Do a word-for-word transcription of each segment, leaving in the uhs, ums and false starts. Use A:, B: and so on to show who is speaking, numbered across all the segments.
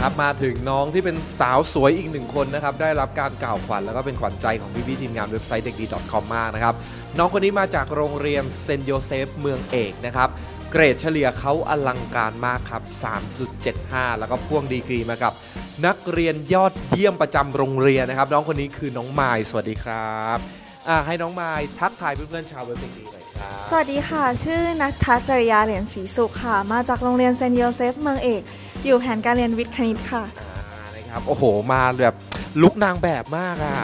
A: ครับมาถึงน้องที่เป็นสาวสวยอีกหนึ่งคนนะครับได้รับการกล่าวขวัญแล้วก็เป็นขวัญใจของพี่ๆทีมงานเว็บไซต์เด็กดี .com มากนะครับน้องคนนี้มาจากโรงเรียนเซนต์โยเซฟเมืองเอกนะครับเกรดเฉลี่ยเขาอลังการมากครับ สามจุดเจ็ดห้า แล้วก็พ่วงดีกรีมากับนักเรียนยอดเยี่ยมประจำโรงเรียนนะครับน้องคนนี้คือน้องมายสวัสดีครับให้น้องมายทักทายเพื่อนๆชาวเว็บเด็กดีหน่อยครับ
B: สวัสดีค่ะชื่อนัททัศน์จริยาเหรียญศรีสุขค่ะมาจากโรงเรียนเซนต์โยเซฟเมืองเอกอยู่แผนการเรียนวิทย์คณิตค่ะ
A: นะครับโอ้โหมาแบบลุกนางแบบมากอ่ะ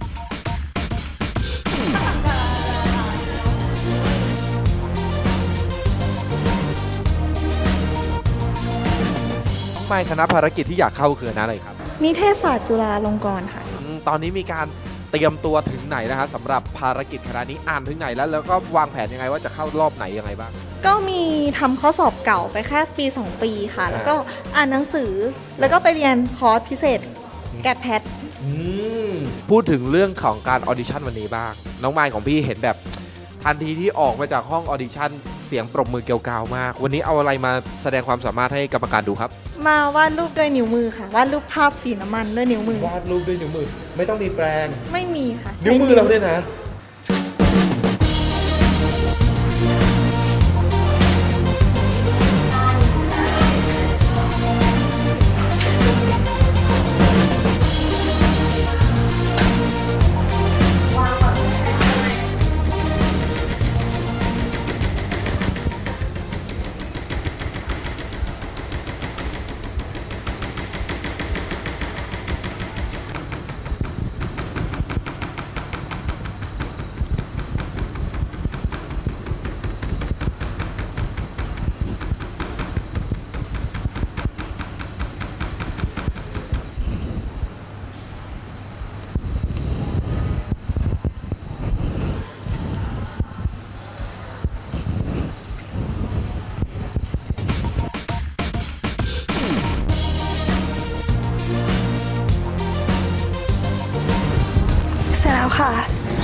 A: น้องมายคณะภารกิจที่อยากเข้าคืออะไรครับ
B: นิเทศศาสตร์จุฬาลงกรณ์ค่ะ
A: ตอนนี้มีการเตรียมตัวถึงไหนนะฮะสำหรับภารกิจคณะนี้อ่านถึงไหนแล้วแล้วก็วางแผนยังไงว่าจะเข้ารอบไหนยังไงบ้าง
B: ก็มีทำข้อสอบเก่าไปแค่ปีสองปีค่ะแล้วก็อ่านหนังสือแล้วก็ไปเรียนคอร์สพิเศษแกดแพท
A: พูดถึงเรื่องของการออดิชั่นวันนี้บ้างน้องมายของพี่เห็นแบบทันทีที่ออกมาจากห้องออดิชั่นเสียงปรบมือเกลียวกราวมากวันนี้เอาอะไรมาแสดงความสามารถให้กรรมการดูครับ
B: มาวาดรูปด้วยนิ้วมือค่ะวาดรูปภาพสีน้ำมันด้วยนิ้วมือ
A: วาดรูปด้วยนิ้วมือไม่ต้องมีแปรง
B: ไม่มีค่ะ
A: นิ้วมือเราด้วยนะ
B: เสร็จแล้วค่ะ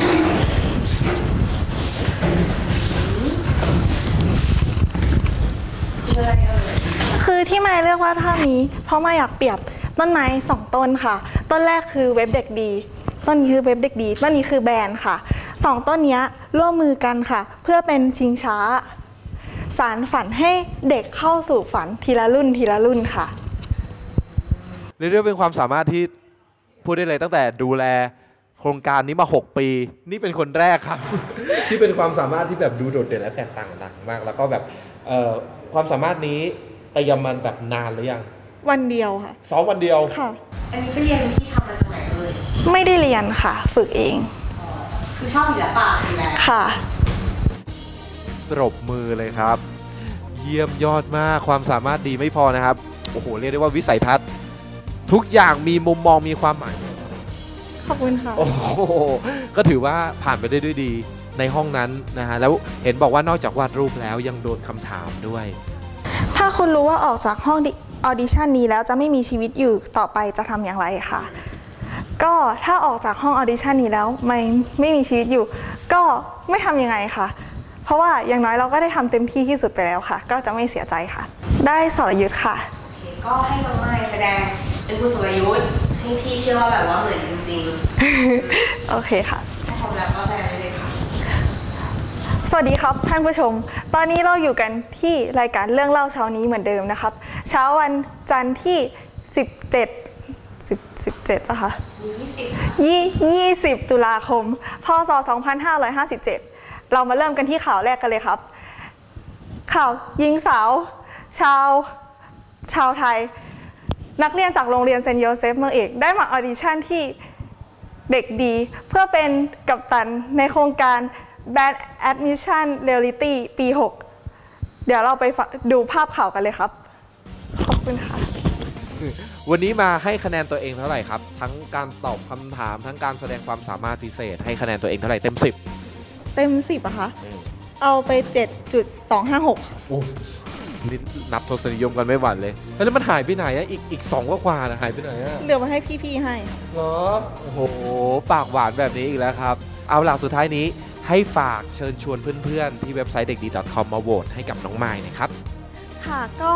B: คือที่มายเลือกวาดภาพนี้เพราะมายอยากเปรียบต้นไม้สองต้นค่ะต้นแรกคือเว็บเด็กดีต้นนี้คือเว็บเด็กดีต้นนี้คือแบรนด์ค่ะสองต้นนี้ร่วมมือกันค่ะเพื่อเป็นชิงช้าสารฝันให้เด็กเข้าสู่ฝันทีละรุ่นทีละรุ่นค่ะ
A: เรียกได้เป็นความสามารถที่พูดได้เลยตั้งแต่ดูแลโครงการนี้มาหกปีนี่เป็นคนแรกครับ ที่เป็นความสามารถที่แบบดูโดดเด่นและแตกต่างต่างมากแล้วก็แบบความสามารถนี้เตรียมมันแบบนานหรือยัง
B: วันเดียวค่ะ
A: ซ้อมวันเดียว
B: ค่ะ
C: อันนี้ไปเรียนที่ทำมาจากไหนเอ่ย
B: ไม่ได้เรียนค่ะฝึกเอง
C: คือชอบศิลปะอยู่แล้ว
B: ค่ะ
A: ปรบมือเลยครับเยี่ยมยอดมากความสามารถดีไม่พอนะครับโอ้โหเรียกได้ว่าวิสัยทัศน์ทุกอย่างมีมุมมองมีความหมาย
B: ขอบคุณค่ะ
A: โอ้โหก็ถือว่าผ่านไปได้ด้วยดีในห้องนั้นนะฮะแล้วเห็นบอกว่านอกจากวาดรูปแล้วยังโดนคำถามด้วย
B: ถ้าคุณรู้ว่าออกจากห้องออดิชั่นนี้แล้วจะไม่มีชีวิตอยู่ต่อไปจะทำอย่างไรค่ะก็ถ้าออกจากห้องออดิชั่นนี้แล้วไม่ไม่มีชีวิตอยู่ก็ไม่ทำยังไงค่ะเพราะว่าอย่างน้อยเราก็ได้ทำเต็มที่ที่สุดไปแล้วค่ะก็จะไม่เสียใจค่ะได้สรยุทธค่ะ
C: โอเคก็ให้น้องไม้แสดงเป็นผู้สรยุทธให้พี่เชื่อว่าแบบว่าเหมือนจริง
B: ๆโอเคค่ะ
C: ถ้าพร้อมแล้วก็แสดงได้เลยค่ะ
B: สวัสดีครับท่านผู้ชมตอนนี้เราอยู่กันที่รายการเรื่องเล่าเช้านี้เหมือนเดิมนะครับเช้าวันจันทร์ที่สิบเจ็ด สิบ สิบเจ็ดป่ะคะยี่สิบตุลาคมพ.ศ. สองพันห้าร้อยห้าสิบเจ็ดเรามาเริ่มกันที่ข่าวแรกกันเลยครับข่าวหญิงสาวชาวชาวไทยนักเรียนจากโรงเรียนเซนต์โยเซฟเมืองเอกได้มาออดิชั่นที่เด็กดีเพื่อเป็นกัปตันในโครงการ Band Admission Reality ปีหกเดี๋ยวเราไปดูภาพข่าวกันเลยครับขอบคุณค่ะ
A: วันนี้มาให้คะแนนตัวเองเท่าไหร่ครับทั้งการตอบคำถามทั้งการแสดงความสามารถพิเศษให้คะแนนตัวเองเท่าไหร่เต็มสิบ
B: เต็มสิบอะคะเอาไป เจ็ดจุดสองห้าหก
A: โอ้นี่นับทศนิยมกันไม่หวั่นเลยแล้วมันหายไปไหนอะอีกอีกสองกว่าๆนะหายไปไหนอะ
B: เหลือมาให้พี่ๆให้
A: เหรอโอ้โหปากหวานแบบนี้อีกแล้วครับเอาล่ะสุดท้ายนี้ให้ฝากเชิญชวนเพื่อนๆที่เว็บไซต์เด็กดี .com มาโหวตให้กับน้องไมค์นะครับ
B: ค่ะก็ถ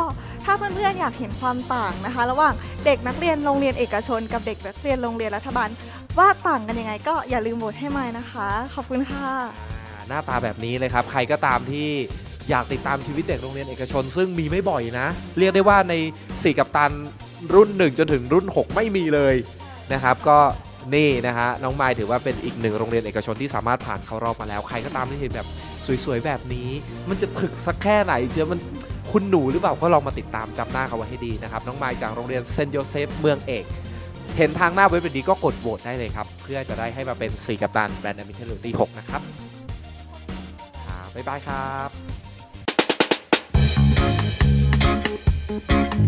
B: ถ้าเพื่อนๆอยากเห็นความต่างนะคะ ระหว่างเด็กนักเรียนโรงเรียนเอกชนกับเด็กนักเรียนโรงเรียนรัฐบาลว่าต่างกันยังไงก็อย่าลืมโหวตให้ไมค์นะคะขอบคุณค่ะ
A: หน้าตาแบบนี้เลยครับใครก็ตามที่อยากติดตามชีวิตเด็กโรงเรียนเอกชน ซึ่งมีไม่บ่อยนะเรียกได้ว่าในสี่กัปตันรุ่นหนึ่งจนถึงรุ่นหกไม่มีเลยนะครับก็นี่นะฮะน้องไมค์ถือว่าเป็นอีกหนึ่งโรงเรียนเอกชนที่สามารถผ่านเข้ารอบมาแล้วใครก็ตามที่เห็นแบบสวยๆแบบนี้มันจะถึกสักแค่ไหนเชื่อมันคุณหนูหรือเปล่าก็ลองมาติดตามจำหน้าเขาไว้ให้ดีนะครับน้องไมค์จากโรงเรียนเซนต์โยเซฟเมืองเอกเห็นทางหน้าเว็บแบบนี้ก็กดโหวตได้เลยครับเพื่อจะได้ให้มาเป็นสี่กัปตันแบรนด์แอมบิชันรุ่นที่หกนะครับบ๊ายบายครับ